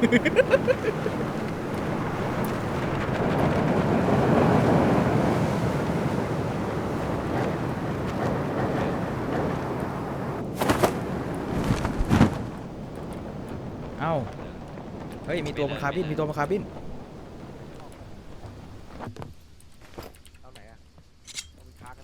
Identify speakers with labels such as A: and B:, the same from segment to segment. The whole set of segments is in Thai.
A: เอ้าเฮ้ยมีตัวบนคาร์บินมีตัวบนคาร์บิน
B: เอาไหนอะเอาเป็นคาร์กัน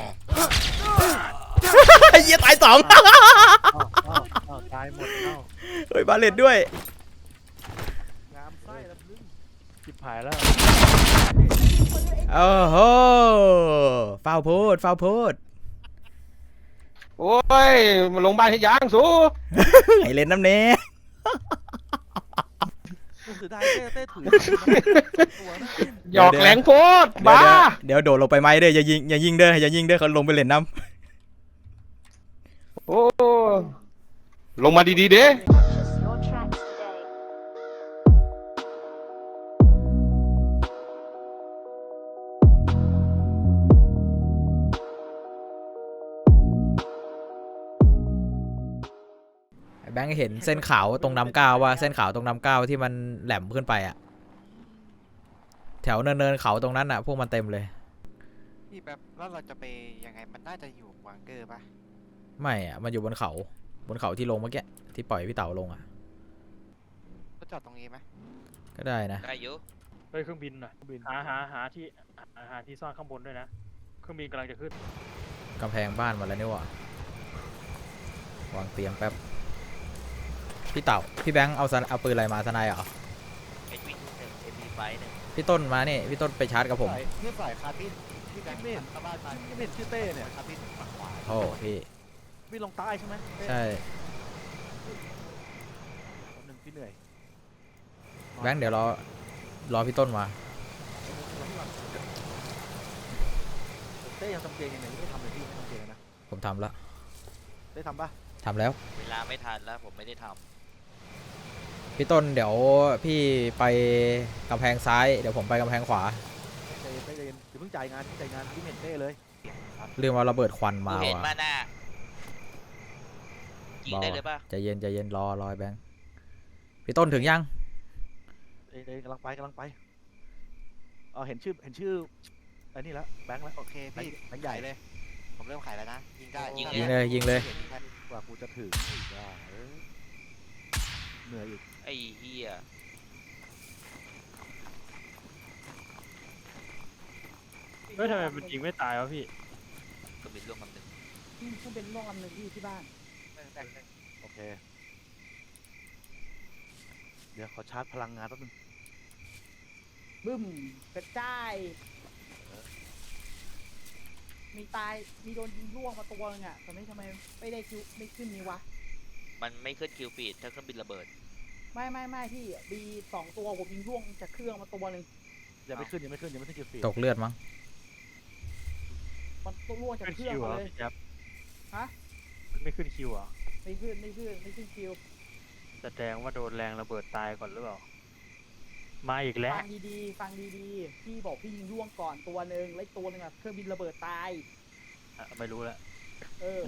A: เหี้ยตายสอง
B: ตายหมดเอ้า
A: เฮ้ยบาเลตด้วย
B: งามไส้แล้วลึงจิบหายแล้ว
A: โอ้โหฟาวโพดฟาวโพด
C: โอ้ยมาลงบ้านที่ยางสู
A: ไอเล่นน้ำเน่
B: เสียดายเต้ถือตัวนะ
C: หยอกแหลงโพดบ้า
A: เดี๋ยวโดดลงไปไหมเด้ออย่ายิงเด้ออย่ายิงเด้อเขาลงไปเล่นน้ำ
C: โอ้ลงมาดีๆเด้
D: Your track today.
A: แบงค์เห็นเส้นขาวตรงน้ำก้าวว่าเส้นขาวตรงน้ำก้าวที่มันแหลมขึ้นไปอะแถวเนินเขาตรงนั้นอะพวกมันเต็มเลย
E: พี่แบบแล้วเราจะไปยังไงมันน่าจะอยู่วังเกอร์ปะ
A: ไม่อะมันอยู่บนเขาที่ลงเมื่อกี้ที่ปล่อยพี่เต๋าลงอะ
E: ก็จอดตรงนี้ไหม
A: ก็ได้นะ
F: ได้อยู่
G: เฮ้ยเครื่องบินหน่อยหาที่ซ่อนข้างบนด้วยนะเครื่องบินกำลังจะขึ้น
A: กำแพงบ้านมาแล้วนี่หว่าวางเตียงแป๊บพี่เต๋าพี่แบงค์เอาปืนอะไรมาทนายเหรอ
F: เอ็นวีหนึ่งเอ็นวีไฟหนึ่ง
A: พี่ต้นมานี่พี่ต้นไปชาร์จกับผม
B: พี่ฝ่ายคาร์บินพี่แบงค์เมนเข้าบ้านมาพี่เมนชื่อเต้เนี่ยคาร์บินฝั่งขวา
A: โอ้พี่
B: พี่ลงใต้ใช่ไหม
A: ใช่
B: หนึ่งพี่เหนื่อย
A: แบงค์เดี๋ยวรอพี่ต้นมา
B: เต้ยังทำเกงยังไงไม่ทำเลยพี่ไม่ทำเกงนะ
A: ผมทำแล้ว
B: ได้ทำปะ
A: ทำแล้ว
F: เวลาไม่ทันแล้วผมไม่ได้ท
A: พี่ต้นเดี๋ยวพี่ไปกำแพงซ้ายเดี๋ยวผมไปกำแพงขวา
B: ใจเย็นอย่าเพิ่งจ่ายงานพี่เมนเต้เลย
A: เรื่องว่าระเบิดควัน
F: ำ
A: มา
F: กูเห็น
A: ว่ะ
F: มาหน้ายิงได้เลยป่ะ
A: ใจเย็นรอไอ้แบงค์พี่ต้นถึงยัง
B: เต้กำลังไปเห็นชื่อไอ้นี่แล้วแบงค์แล้ว
E: โอเคพี่
B: แบงค์ใหญ่
E: ขายเลย ผมเริ่มขายแล้วนะ ยิงได้
A: ยิงเลย
B: กว่ากูจะถึงอีกว่าเหนื่อยอีก
F: ไอ้เหี้ย
G: เฮ้ยทำไมมันยิงไม่ตายวะพี่
F: ก็บินล่วงคำหนึ่ง
H: ซึ่งเป็นร่วงลำหนึ่งที่บ้าน
B: โอเคเดี๋ยวขอชาร์จพลังงานแป๊บนึง
H: บึ้มกระจายมีตายมีโดนยิงร่วงมาตัวนึงอ่ะแต่ไม่ทำไมไม่ได้คิวไม่ขึ้นนี้วะ
F: มันไม่ขึ้นคิวฟีดถ้าเครื่องบินระเบิด
H: ไม่พี่บี2 ตัวผมยิงร่วงจากเครื่องมาตัวนึง
B: ยังไม่ขึ้นเกี่ยวฟี
A: ตกเลือดมั้ง
H: มันตัวร่วงจาก
G: ขึ้น
H: เครื่อ
G: คิ
H: ง
G: วเหร
H: มา
G: อ
H: เลย
G: พี่แจ๊บ
H: ฮะ
G: มันไม่ขึ้นคิวเหรอ
H: ไม่ขึ้นคิว
G: แสดงว่าโดนแรงระเบิดตายก่อนหรือเปล่ามาอีกแล้ว
H: ฟังดีๆพี่บอกพี่ยิงร่วงก่อนตัวนึงแล้วตัวนึงอ่ะเครื่องบินระเบิดตาย
G: ไม่รู้แล้ว
H: เออ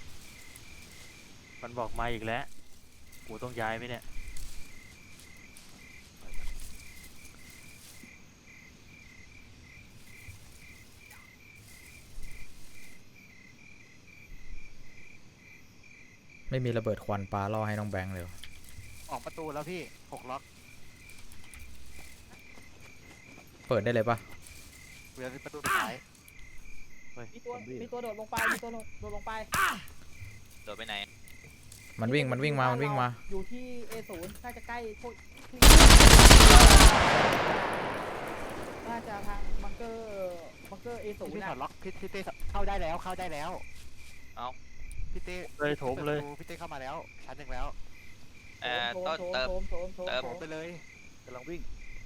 G: มันบอกมาอีกแล้วกูต้องย้ายไหมเนี่ย
A: ไม่มีระเบิดควันปลาล่อให้น้องแบงค์เลย
E: ออกประตูแล้วพี่6 ล็อก
A: เปิดได้เลยปะ
E: เหลือประตูสุดท้าย
H: มีตัวโดดลงไปโดดลงไป
F: โดดไปไหน
A: มันวิ่งมา
H: อยู่ที่ A0 น่าจะใกล้พวกที่น่าจะทางบังเกอร์ A0
E: พี่ถ
H: นะ
E: อดล็อกพี่เต้เข้าได้แล้ว
F: เอ้า
E: พี่เต้
G: เลยโถมเลย
E: พี่เต้เข้ามาแล้วชั้น 1แล้ว
F: ต้นเติม
H: โถม
F: เติม
E: ผมไปเลย
B: กำลังวิ่ง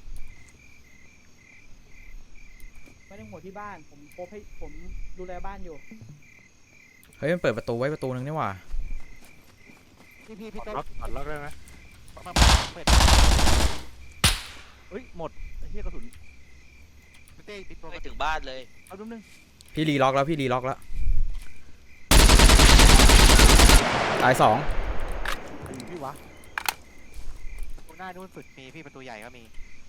H: ไม่ต้องห่วงที่บ้านผมโพสให้ผมดูแลบ้านอยู่
A: เฮ้ยมันเปิดประตูไว้ประตูนึงนี่หว่า
E: พี่ต้น
G: ล็อกได้ไหม
E: มาเปิด
B: เฮ้ยหมดไอ้เหี้ยกระสุน
E: พี่เต้ปิดตัว
F: ไม่ถึงบ้านเลย
B: เอาดูนึง
A: พี่รีล็อกแล้วตายสอง
B: ไอ้พี่วะ
E: ตรงหน้านู่นสุดมีพี่ประตูใหญ่ก็มี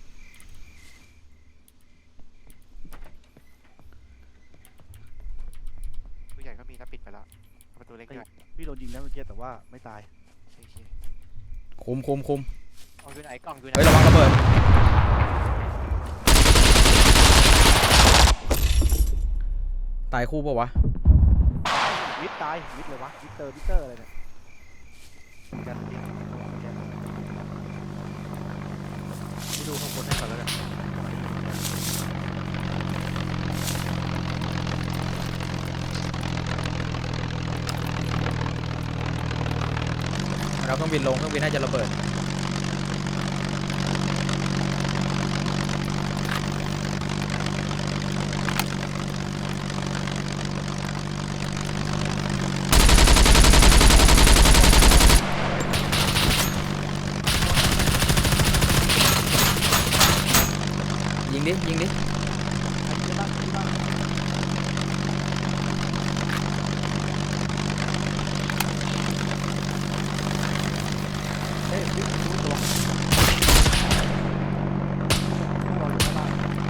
E: ประตูใหญ่ก็มีแล้วปิดไปแล้วประตูเล็กด้วย
B: พี่โดนยิงนะเมื่อกี้แต่ว่าไม่ตาย
E: โอเค
A: คุม
E: เอาอยู่ไหนกล่องอยู่ไหน
A: เฮ้ยระวังระเบิดตายคู่ปะวะ
B: วิทตายวิทเลยวะวิทเตอร์อะไรเนี่ยกันยิงไปดูข้างบนให้ก่อนแล้วกัน
A: เราเครื่องบินลงเครื่องบินน่าจะระเบิดยิงดิยิงดิ
B: เฮ้ยวิทรู้ตัวรออยู่ข้างล่าง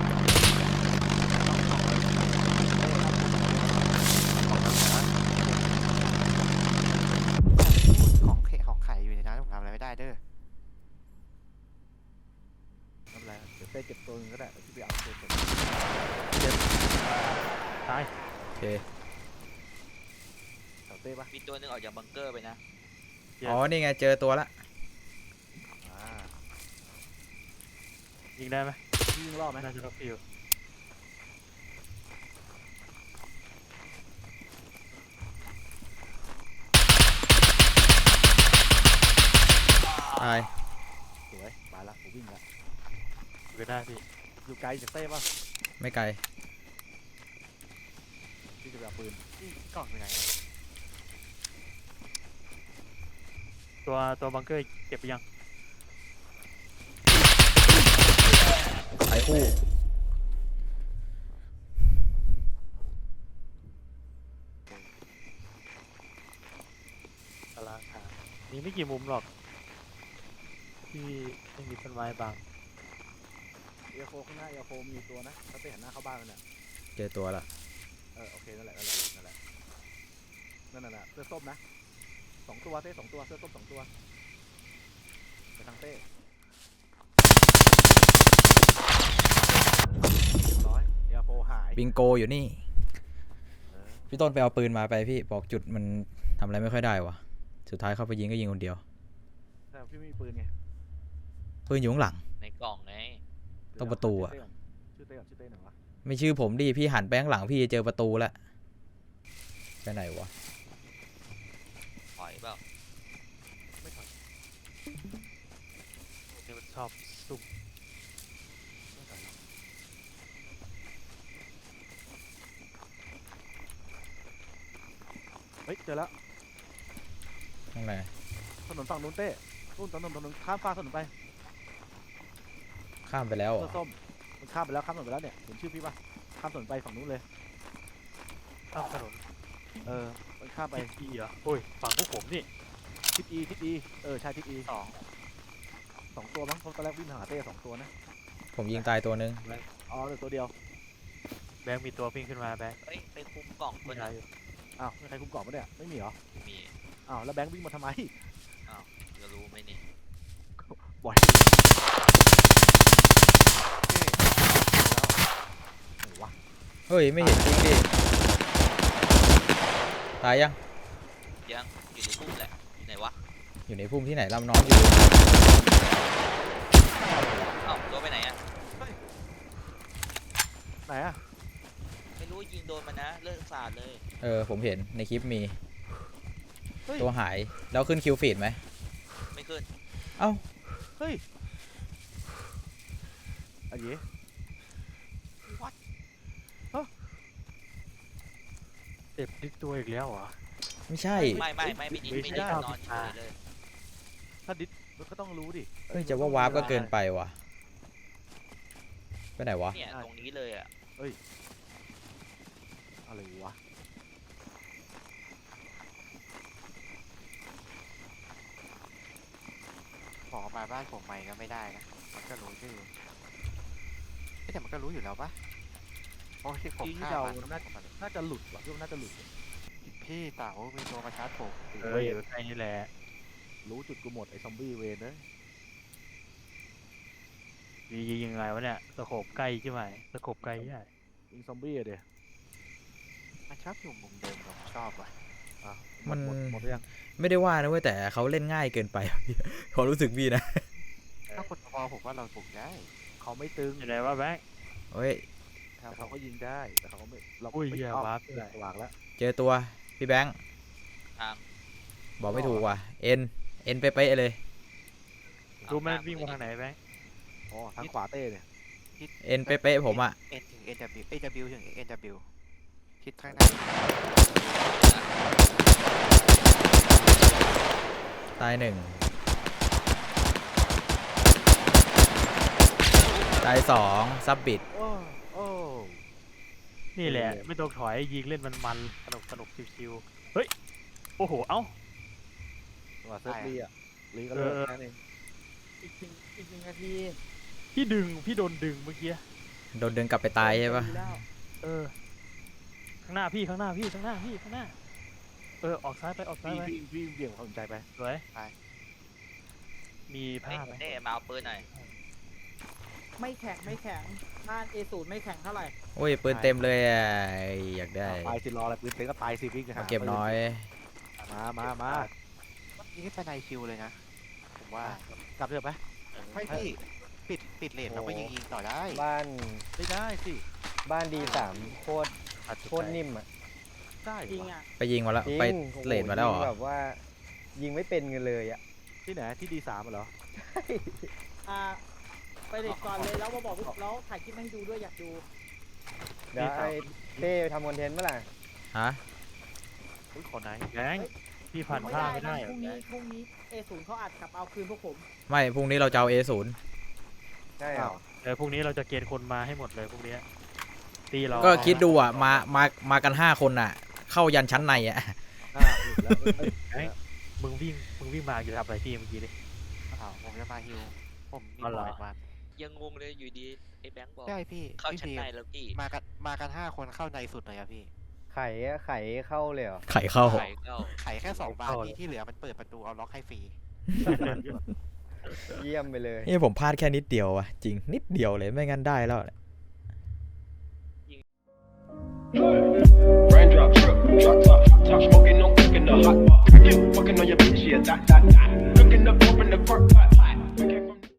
E: ของไข่อยู่ในนั้นผมทำอะไรไม่ได้เด้อ
B: ทำไรเดี๋ยวเต้เก็บตัวนึงก็ได้ที่ไปเอาตัวเก็บ
G: ตาย
A: โอเค
B: เอาเต้ปะ
F: มีตัวหนึงออกจากบังเกอร์ไปนะ
A: อ๋อนี่ไงเจอตัวละ
B: อ่า
G: ยิงได้ไหม
B: พี่ยิงรอบไหม
G: น่าจะล็อกฟิว
A: ตาย
B: สวยไปละผมวิ่งละ
G: ก็ได้พี่
B: อยู่ไกลจากเต้ปะ
A: ไม่ไกล
B: พี่จะไปเอาปืน
E: พี่กล่องอยู่ไหน
G: ตัวบังเกอร์เก็บไปยัง
A: ตายคู่
G: ตารางหามีไม่กี่มุมหรอกที่ไม่มีต้นไม้บาง
B: เอโฟข้างหน้าเอโฟมีตัวนะถ้าเต้หันหน้าเข้าบ้านมันเนี่ย
A: เจอตัวละ
B: โอเคนั่นแหละนั่นแหละนั่นน่ะเสื้อส้มนะ2 ตัวเต้2 ตัวเสื้อส้ม2 ตัวไปทางเต้เรียบร้อยเอโฟหาย
A: บิงโกอยู่นี่
B: เออ
A: พี่ต้นไปเอาปืนมาไปพี่บอกจุดมันทำอะไรไม่ค่อยได้วะสุดท้ายเข้าไปยิงก็ยิงคนเดียว
B: แต่พี่ไม่มีปืนไง
A: ปืนอยู่ข้างหลัง
F: ในกล่องไง
A: ตรงประตูอะ
B: ชื่อเต้ก่อนชื่อเต้หน่อยวะ
A: ไม่ชื่อผมดิพี่หันไปข้างหลังพี่จะเจอประตูแล้วไปไหนวะ
F: ถอยเปล่า
B: ไม่ถอย
G: นี่มันชอบซุ่ม
B: ไม่ถอยเฮ้ยเจอแล้ว
A: ข้างใน
B: ถนนฝั่งนู้นเต้นู่นถนนข้ามฟ้ากถนนไป
A: ข้ามไปแล้วเหร
B: เสื้
A: อ
B: อส้มมันข้ามไปแล้วเนี่ยเห็นชื่อพี่ปะข้ามถนนไปฝั่งนู้นเลย
G: ข้ามถนน
B: มันข้ามไป
G: ทิศอีเหรอโอ้ยฝั่งพวกผมนี่
B: ทิศอีใช่ทิศอีสองตัวมั้งเพราะตอนแรกวิ่งหาเต้2 ตัวนะ
A: ผมยิงตายตัวนึง
B: อ๋อเหลือตัวเดียว
G: แบงค์มีตัววิ่งขึ้นมาแบงค์
F: เฮ้ยไปคุมกล่องตัว
G: ไม่
F: หนึ
G: ได้
F: ง
G: อยู่
B: อ้าวมีใครคุมกล่องปะเนี่ยไม่มีเหรอ
F: มี
B: อ้าวแล้วแบงค์วิ่งมาทำไม
F: จะรู้ไหมนี่
B: บ่อยไหนวะ
A: เฮ้ยไม่เห็นจริงดิตายยัง
F: ยังอยู่ในพุ่มแหละอยู่ไหนวะ
A: อยู่ในพุ่มที่ไหนลำน้องอยู่
F: เอ้าตัวไปไหนอะ
B: ไหนอะ
F: ไม่รู้ยิงโดนมันนะเลิกสาดเลย
A: ผมเห็นในคลิปมี
B: เฮ้ย
A: ตัวหายแล้วขึ้นคิวฟีดไหม
F: ไม่ขึ้น
A: เอ้า
B: เฮ้ยอันนี้
G: เจ็บดิกตัวอีกแล้วเหรอ
A: ไม่ใช่
F: ไม่ดิ
G: ไม่
F: ไม่
G: ใช่
F: ได้นอนเฉยเลย
B: ถ้าดิสมันก็ต้องรู้ดิ
A: เฮ้ยจะว่าวาร์ปก็เกินไปว่ะไปไหนวะ
F: เนี่ยตรงนี้เลยอะ
B: อะไรวะ
E: ขอมาบ้านผมใหม่ก็ไม่ได้นะมันก็รู้ชื่อเอ๊ะแต่มันก็รู้อยู่แล้วปะโอ้ที่ผม
B: ที่
E: ฆ่า
B: เดา
E: มัน
B: น่าจะหลุดว่ะพี่ว่าน่าจะหลุด
E: พี่เต๋ามีตัวมาชาร์จผม
G: อยู่ใกล้นี่แหละ
B: รู้จุดกูหมดไอ้ซอมบี้เวนเนย
G: ยิงยังไงวะเนี่ยสโคปใกล้ใช่ไหมสโคปไกลใช่
B: ยิงซอมบี้อะเดี๋ย
E: มันชอบอยู่มุมเดิมผมชอบว่ะ
B: อ่ะ
A: มัน
B: หมดหรือยัง
A: ไม่ได้ว่านะเว้ยแต่เขาเล่นง่ายเกินไป ความรู้สึกพี่นะ
E: ถ้าคนพอผมว่าเราบุกได้
B: เขาไม่ตึง
G: อยู่ไหนวะแบงค์
A: เฮ้ย
B: แต่เขาก็ยิงได้แต่เขาก็ไม่เรา
G: อุ้ย
B: ไม่
G: เหี้ย
B: เอา
G: วาร์ปด้วย
B: วางแล้ว
A: เจอตัวพี่แบงค์
F: ทาง
A: บอกไม่ถูกว่ะเอ็นเป๊ะๆเลย
G: รู้ไหมวิ่งมาทางไหนแบงค์
B: อ๋อทางขวาเต้เนี่ย
A: เอ็นเป๊ะๆผมอะ
E: เอ็นถึง NW AW ถึง NW ทิศข้างหน้า
A: ตายหนึ่งตายสองซับบิด
B: โอ้โอ้
G: นี่แหละไม่ต้องถอยยิงเล่นมันสนุกชิวๆเฮ้ยโอ้โหเอ้า
B: ว่าเซิร์ฟลีอ่ะลีก็เลิกแค่นั้นเอง
H: อีกหนึ่งนาที
G: พี่โดนดึงเมื่อกี้
A: โดนดึงกลับไปตายใช่ปะ
H: ดีแล้ว
G: ข้างหน้าข้างหน้าออกซ้ายไปออกซ้ายไป
B: พี่เบี่ยงความสนใจไป
G: สวยมีผ้าไหม
F: เน่มาเอาปืนหน่อย
H: ไม่แข็งบ้าน A0 ไม่แข็งเท่าไหร่
A: โอ้ยปืนเต็มเลยอะอยากได้
B: ตายสิรออะไรปืนเต็งก็ตายสิพี่
A: มาเก็บน้อย
B: มา
E: นี่ไม่เป็นไรคิวเลยนะผมว่าก
B: ลับเถอะไป
E: ไม่พี่ปิดเลนเราก็ยิงต่อได้
I: บ้าน
B: ไม่ได้สิ
I: บ้านดีสามโคตรนิ่มอ่ะ
B: ได้
H: จริง
B: วะ
H: อ่ะ
A: ไปยิงมาแล้ว
I: จริง
A: ไป
I: โอ้โห
A: เลดมาแล้วเหร
I: ยิง
A: อ
I: แบบว่า ยิงไม่เป็นกันเลยอ่ะ
B: ที่ไหนที่ดีสามเหรอ
H: ไปเด็กก่อนเลยแล้วมาบอกแล้วถ่ายคลิปมาให้ดูด้วยอยากดู
I: เดี๋ยวไอ้เต้ทำคอนเทนต์เมื่อไหร่
A: ฮะ
B: อุ้ยขอไหน
G: แบงค์พี่ผ่านผ้าไม่ได้
H: พรุ่งนี้ A0 เขาอัดกลับเอาคืนพวกผม
A: ไม่พรุ่งนี้เราจะเอา A0
I: ใช่เหรอ
G: พรุ่งนี้เราจะเกณฑ์คนมาให้หมดเลยพรุ่งนี้ตีเรา
A: ก็คิดดูอ่ะมากัน5 คนอ่ะ เข้ายันชั้นในอ่ะ
G: มึงวิ่งมาอยู่ทำอะไรพี่เมื่อกี้ดิ
E: ผมจะมาฮิวผมมี
G: อ๋อเหร
E: บ
G: อ
E: อยมา
F: ยังงงเลยอยู่ดีไอ้แบงค์บอก
E: ใช่พี่
F: เข้าชั้น
E: พี่
F: ในแล้วพี่
E: มากัน5 คนเข้าในสุดเลยอะพี่
I: ไข่เข้าเลยเหรอ
A: ไข่เข้า
F: ไข่เข้า
E: ไขแค่2 บานที่เหลือมันเปิดประตูเอาล็อกให้ฟรี
I: เยี่ยมไปเลย
A: นี่ผมพลาดแค่นิดเดียวอ่ะจริงนิดเดียวเลยไม่งั้นได้แล้ว
J: Raindrop, drop top, top smoking, no cooking the hot pot. Fucking on your bitch, yeah, that. Cooking up, open the crock pot.